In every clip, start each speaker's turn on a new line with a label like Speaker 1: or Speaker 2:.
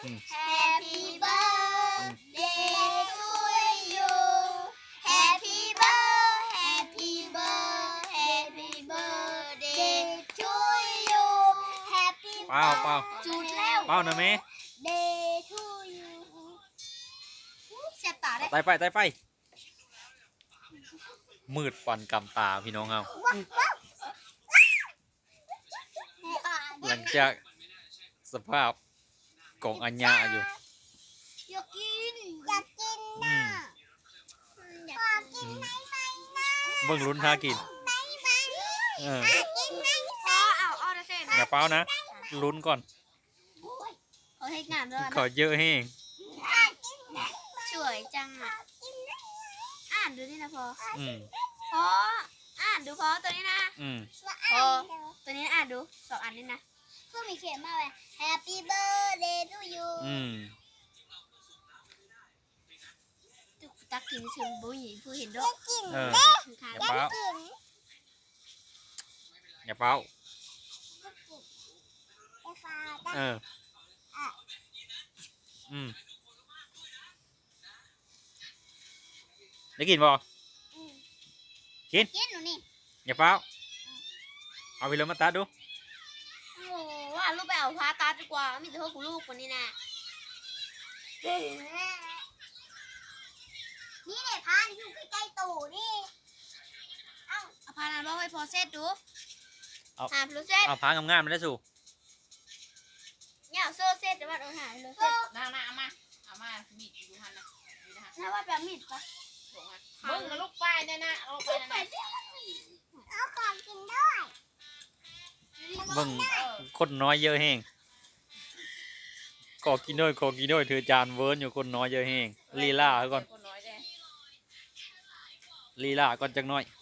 Speaker 1: Happy birthday to you Happy birthday to you Happy
Speaker 2: เปล่าเปล่า
Speaker 1: จุดแล้ว
Speaker 2: เปล่านะแม่
Speaker 1: Day to you เสียบตาได้
Speaker 2: ไต่ไฟมืดฟันกำตาพี่น้องเอาหลังจากสภาพของอัญญาอยู่
Speaker 1: อยากกิน
Speaker 2: อืม
Speaker 1: อยากกินไหมนะ
Speaker 2: เบิ่งลุ้นท่ากินเออ
Speaker 1: พ่อเอาได้เส้น
Speaker 2: อย่าเป้านะลุ้นก่อน
Speaker 1: เขาให้งานด้วย
Speaker 2: ขอเยอะแห้ง
Speaker 1: สวยจังอ่ะอ่านดูนี่นะพ่อ
Speaker 2: อืม
Speaker 1: พ่ออ่านดูพ่อตัวนี้นะ
Speaker 2: อืม
Speaker 1: พ่อตัวนี้อ่านดู2 อันนี่นะเพื่อมีเขียนมาเลย Happy birthday to you
Speaker 2: อืม
Speaker 1: ตักกินชิมบุ้ยผู้เห็นด้วย
Speaker 2: เออ
Speaker 1: คือค่ะ
Speaker 2: อย่าเป้าอย่าเป้าเอออืมได้กินบ่กิน
Speaker 1: กินหนูนี่
Speaker 2: อย่าเป้าเอาไปเลยมาตัดดู
Speaker 1: โอ้ว่าลูกไปเอาพาตาดีกว่ามีแต่พวกกูลูกคนนี้นะนี่เนี่ยพานอยู่ใกล้ๆตู่นี่เอาพานนั้นบอกให้พอเซตดูหาพลูเซต
Speaker 2: เอาพางามๆมาได้สู่
Speaker 1: เนี่ยโซ่เซตแต่ว่าโดนหาพลูเซต
Speaker 3: เอามามีดอยู่หันนะนี่นะฮะ
Speaker 1: ถ้าว่าแบบมีดปะ
Speaker 3: บอกว่ามึงกับลูกป้ายเนี่ยนะเอาไปนะนะ
Speaker 1: เอาของกินด้วย
Speaker 2: เบิ่ง
Speaker 3: เออ
Speaker 2: คนน้อยเยอะแห้งขอกินด้วยถือจานเวิร์นอยู่คนน้อยเยอะแห้งลีลาก่อน
Speaker 3: คนน้อยแน่
Speaker 2: ลีลาก่อนจักหน่อย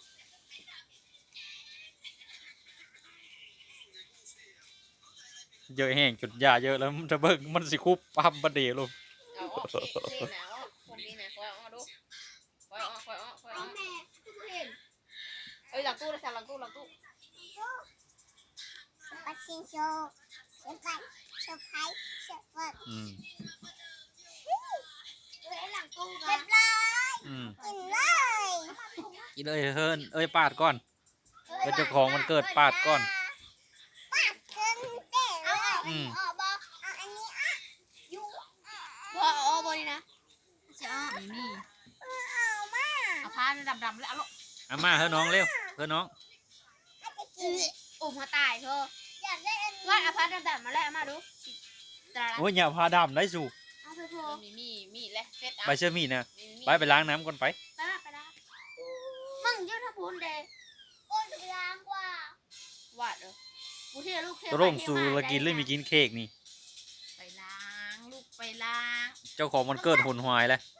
Speaker 2: เยอะแห้งจุดยาเยอะแล้วมันจะเบิ่งมันสิคุบปั๊มประเดี๋ยวลง
Speaker 3: เอาออกเท่หนาวคนดีนะคอยเอาดูคอยเอา
Speaker 1: เอาแม่ทุกเห็น
Speaker 3: เอ้ยหลังตู้เลยสั่งหลังตู้
Speaker 1: ปัดชิงโชว์เซอร์ไพรส์เซอร์ไพรส์เซอร์ไพรส์
Speaker 2: อืม
Speaker 1: หลังตู้เรียบร้อย
Speaker 2: อืม
Speaker 1: กินเลย
Speaker 2: กินเลยเฮิร์นเอ้ยปาดก่อนเป็นเจ้าของมันเกิดปาดก่อน
Speaker 1: ปาดขึ้นเต้เอา
Speaker 2: อืม
Speaker 1: เอาบอเอาอันนี้อ่ะยูบอเอาบอนี่นะจะเอาไม่มีเอามา
Speaker 3: เอาผ้าดำๆแล้วเอาลูก
Speaker 2: เอามาเฮ้ยน้องเร็วเฮ้ยน้อง
Speaker 1: อุ้มมาตายเธออยากได้อันนี้ว่าเอาพัดดำๆมาแล้วเอามาดูตาละ
Speaker 2: โอ้ยอย่าพาดำได้สู่
Speaker 1: เอาเธอโทร
Speaker 3: มีแล้วเซ็ตเอา
Speaker 2: ไปเชื่อมีดนะไปล้างน้ำก่อนไป
Speaker 1: ไปละมึงยืดถ้าพูนเดย์โอ้ยจะไปล้างกว่าว
Speaker 3: าดเออ
Speaker 1: กูที่ลูกเท
Speaker 2: ตร่งสู่ละกินเลยมีกินเค้กนี่
Speaker 3: ไปล้างลูกไปล้าง
Speaker 2: เจ้าของมันเกิดหุนหวายแล้ว